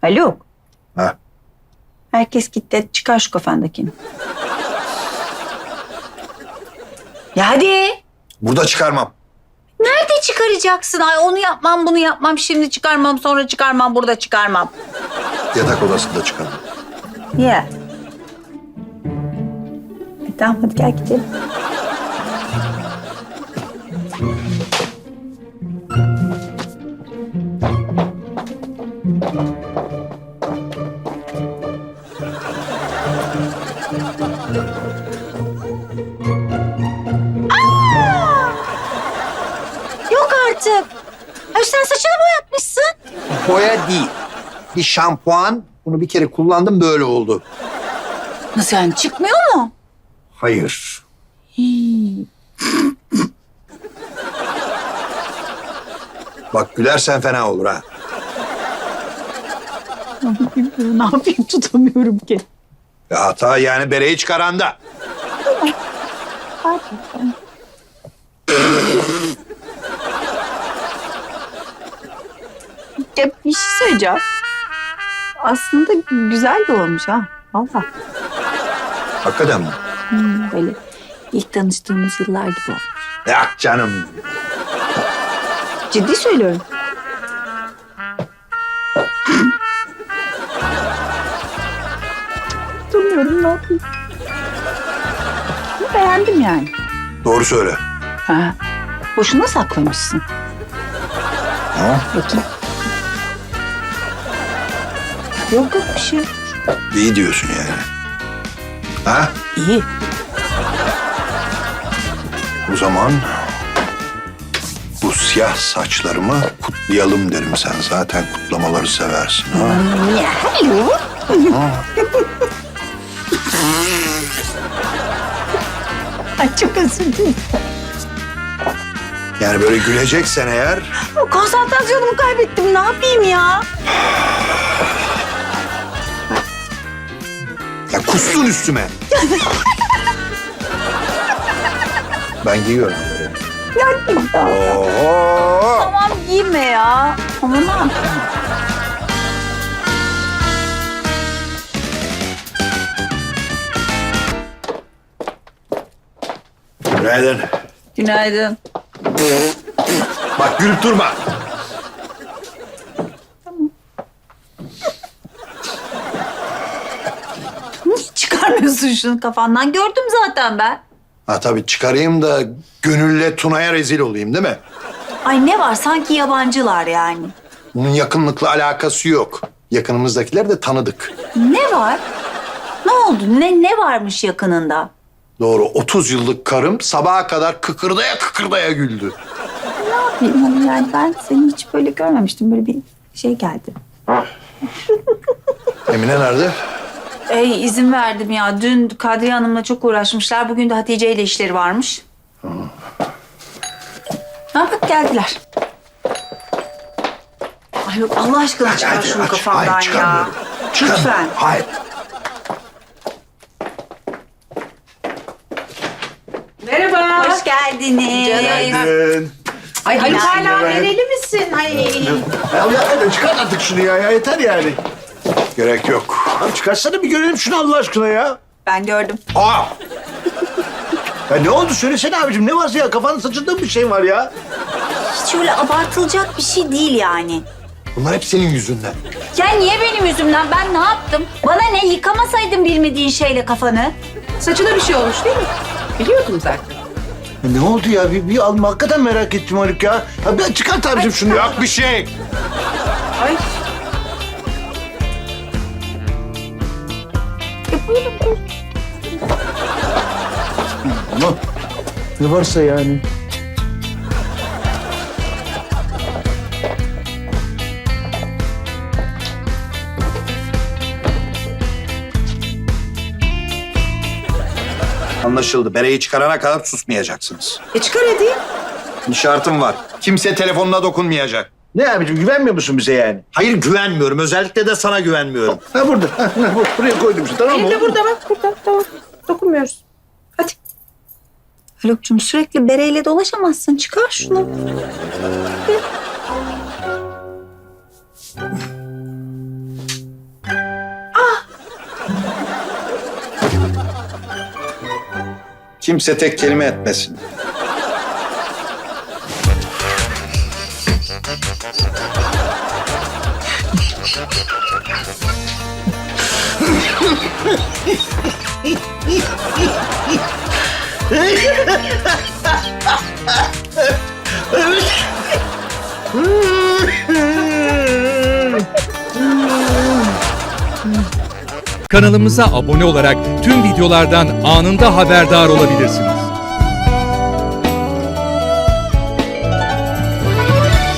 Haluk. Ha. Herkes gitti. Çıkar şu kafandakini. Ya hadi. Burada çıkarmam. Nerede çıkaracaksın? Ay onu yapmam, bunu yapmam. Şimdi çıkarmam, sonra çıkarmam, burada çıkarmam. Yatak odasında çıkarmam. Ya. Tamam hadi gel gidelim. Yok artık. Ay sen saçını boyatmışsın. Boya değil. Bir şampuan. Bunu bir kere kullandım böyle oldu. Nasıl yani çıkmıyor mu? Hayır. Bak gülersen fena olur ha. Ne yapayım tutamıyorum ki. Ya hata yani bereyi çıkaranda. Ya bir şey söyleyeceğim. Aslında güzel de olmuş ha. Vallahi. Hakikaten mi? Böyle ilk tanıştığımız yıllar gibi olmuş. Ya canım. Ciddi söylüyorum. Tutamıyorum ne yapayım. Beğendim yani. Doğru söyle. Ha. Boşuna saklamışsın. Ha? Bakayım. Yok yok bir şey. İyi diyorsun yani. Ha? İyi. O zaman bu siyah saçlarımı kutlayalım derim. Sen zaten kutlamaları seversin. Ha? Ya Haluk. Ay çok özür dilerim. Yani böyle güleceksen eğer Konsantrasyonumu kaybettim. Ne yapayım ya? ya kustun üstüme. Ben giyiyorum böyle. Ya Oho! tamam giyme ya. Ama ne yapayım? Günaydın. Günaydın. Bak gülüp durma. Hiç çıkarmıyorsun şunu kafandan. Gördüm zaten ben. Ha tabii çıkarayım da Gönül'le Tuna'ya rezil olayım değil mi? Ay ne var sanki yabancılar yani. Bunun yakınlıkla alakası yok. Yakınımızdakiler de tanıdık. Ne var? Ne oldu? Ne varmış yakınında? Doğru 30 yıllık karım sabaha kadar kıkırdaya kıkırdaya güldü. Ne yapayım hani yani ben seni hiç böyle görmemiştim. Böyle bir şey geldi. Emine nerede? İzin verdim ya. Dün Kadriye Hanım'la çok uğraşmışlar. Bugün de Hatice ile işleri varmış. Ha bak geldiler. Ay yok Allah aşkına çıkar şunu kafamdan Hayır, ya. çıkarmıyorum. Çıkarmıyorum. Lütfen. Hayır. Merhaba. Hoş geldiniz. Ay Haluk hala Merhaba. nereli misin? Ay. Ya çıkar artık şunu ya yeter yani. Gerek yok. Abi çıkarsana bir görelim şunu Allah aşkına ya. Ben gördüm. Aa! Ya ne oldu söylesene abicim ne varsa ya kafanın saçında mı bir şey var ya? Hiç öyle abartılacak bir şey değil yani. Bunlar hep senin yüzünden. Ya niye benim yüzümden? Ben ne yaptım? Bana ne? Yıkamasaydın bilmediğin şeyle kafanı. Saçına bir şey olmuş değil mi? Biliyordum zaten. Ya ne oldu ya bir alma hakikaten merak ettim Haluk ya. Ya bir çıkart abicim şunu ya. Yok bir şey. Ay. Ama ne varsa yani. Anlaşıldı. Bereyi çıkarana kadar susmayacaksınız. Çıkar hadi. Bir şartım var. Kimse telefonuna dokunmayacak. Ne abicim güvenmiyor musun bize yani? Hayır güvenmiyorum. Özellikle de sana güvenmiyorum. Ha burada. Buraya koydum işte tamam mı? Elimde burada bak burada. Tamam. Dokunmuyoruz. Hadi. Haluk'cum sürekli bereyle dolaşamazsın. Çıkar şunu. Kimse tek kelime etmesin. Kanalımıza abone olarak tüm videolardan anında haberdar olabilirsiniz.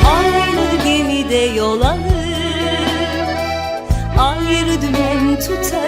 Aynı gemide yol alır, ayrı dümen tutar.